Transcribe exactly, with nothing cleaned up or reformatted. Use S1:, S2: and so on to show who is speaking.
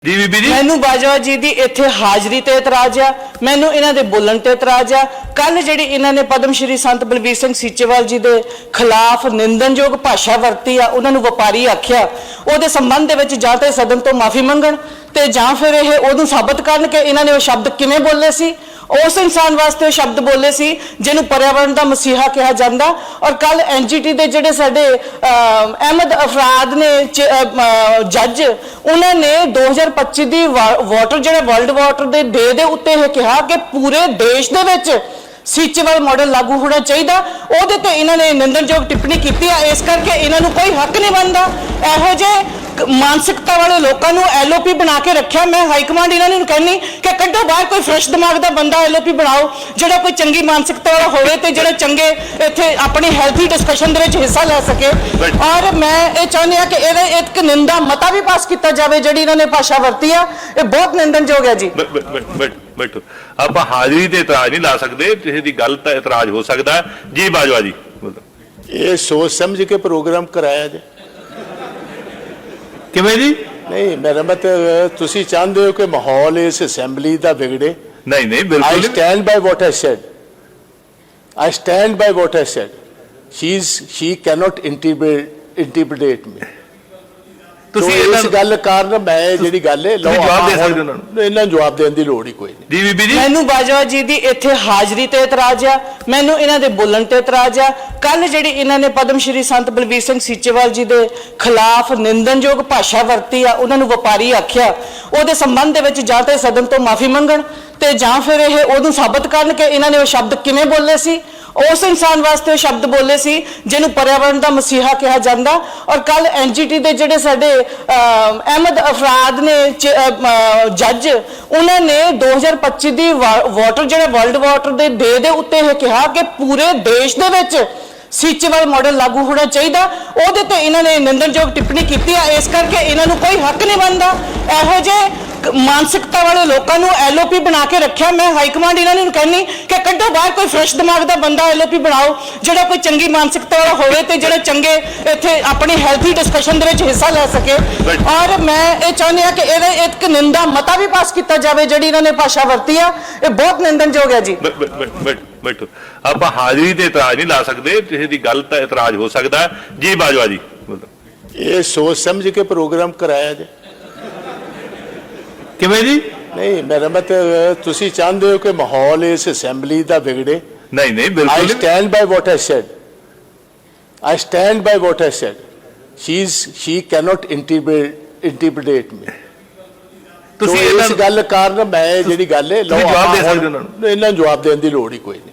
S1: जी बीबी जी
S2: मैनू बाजवा जी की इत्थे हाजरी ते इतराज आ, मैनू इन्हां दे बोलण ते इतराज आ। कल जिहड़ी इन्हां ने पद्म श्री संत बलबीर सिंह सीचेवाल जी दे खिलाफ निंदनयोग भाषा वरती आ, उन्हां नूं वपारी आख्या, उहदे संबंध दे विच जां ते सदन तो माफी मंगण ते जां फिर इह उहनूं साबित करन कि इन्हां ने वो शब्द किवें बोले सी, उस इंसान वास्ते वो शब्द बोले सी जिन्हों पर्यावरण का मसीहा कहा जाता। और कल एन जी टी के जोड़े साडे अहमद अफराद ने जज उन्होंने दो हज़ार पच्ची की वाटर जो वर्ल्ड वाटर के डे के उत्ते कहा कि पूरे देश के विच सीचेवाल मॉडल लागू होना चाहिए, उहदे ते इन्होंने निंदनयोग टिप्पणी की। इस करके इन्हों कोई हक नहीं बनता इहो जे मानसिकता वाले लोगों को एल ओ पी बना के रखा। मैं हाईकमांड इन्होंने कहनी कि कड्डो बाहर कोई फ्रैश दिमाग का बंदा एल ओ पी बनाओ जो कोई चंगी मानसिकता वाला होवे ते जो चंगे इत्थे अपनी हेल्थी डिस्कशन दे विच हिस्सा ले सके। और मैं ये चाहनी हाँ कि इहदे एक निंदा मता भी पास किया जाए जिहड़ी इन्होंने भाषा वरती है, ये बहुत निंदनयोग है जी।
S1: बैठो आप हाजिरी ते इतराज नहीं ला सकते, किसी की गल ते इतराज हो सकता है। जी बाजवा जी
S3: ये सोच समझ के प्रोग्राम कराया जाए
S1: किवें जी?
S3: नहीं मेरा मतलब तुसी चाहते हो कि माहौल इस असैम्बली का बिगड़े?
S1: नहीं नहीं
S3: आई
S1: बिल्कुल
S3: stand by what I said, I stand by what I said. She is she cannot interpret me.
S1: ਤੁਸੀਂ
S3: इस
S1: ਇਹਨਾਂ
S3: गल कारण मैं जिहड़ी गल है
S1: ਤੁਸੀਂ ਜਵਾਬ ਦੇ ਸਕਦੇ ਉਹਨਾਂ ਨੂੰ।
S3: इन्हां जवाब देने की लोड़ ही कोई नहीं।
S1: जी बीबी जी
S2: मैनू बाजवा जी की इत्थे हाजरी ते इतराज आ, मैनू इन्हां दे बोलण ते इतराज आ। कल जिहड़ी इन्हां ने पद्म श्री संत बलबीर सिंह सीचेवाल जी दे खिलाफ निंदनयोग भाषा वरती आ, उन्हां नूं वपारी आख्या, उहदे संबंध दे विच जां ते सदन तो माफी मंगण ते जां फिर इह उहनूं साबित करन कि इन्हां ने वो शब्द किवें बोले सी, उस इंसान वास्ते वो शब्द बोले सी जिन्हों पर्यावरण का मसीहा कहा जाता। और कल एन जी टी के जोड़े साडे अहमद अफराद ने जज उन्होंने दो हज़ार पच्ची की वाटर जो वर्ल्ड वाटर के डे के उत्ते कहा कि पूरे देश के विच सीचेवाल मॉडल लागू होना चाहिए, उहदे ते इन्होंने निंदनयोग टिप्पणी की। इस करके इन्हों कोई हक नहीं बनता इहो जे मानसिकता वाले लोगों को एल ओ पी बना के रखा। मैं हाईकमांड इन्होंने कहनी कि कड्डो बाहर कोई फ्रैश दिमाग का बंदा एल ओ पी बनाओ जो कोई चंगी मानसिकता वाला होवे ते जो चंगे इत्थे अपनी हेल्थी डिस्कशन दे विच हिस्सा ले सके। और मैं ये चाहनी हाँ कि इहदे एक निंदा मता भी पास किया जाए जिहड़ी इन्होंने भाषा वरती है, ये बहुत निंदनयोग है जी।
S1: बैठो आप हाजिरी ते इतराज नहीं ला सकते, किसी की गल ते इतराज हो सकता है। जी बाजवा जी
S3: ये सोच समझ के प्रोग्राम कराया जाए
S1: किवें जी?
S3: नहीं मेरा मतलब तुसी चाहते हो कि माहौल इस असैम्बली का बिगड़े?
S1: नहीं नहीं
S3: आई
S1: बिल्कुल
S3: stand by what I said, I stand by what I said. She is she cannot interpret me.
S1: ਤੁਸੀਂ
S3: इस
S1: ਇਹਨਾਂ
S3: गल कारण मैं जिहड़ी गल है
S1: ਤੁਸੀਂ ਜਵਾਬ ਦੇ ਸਕਦੇ ਉਹਨਾਂ ਨੂੰ।
S3: इन्हां जवाब देने की लोड़ ही कोई नहीं।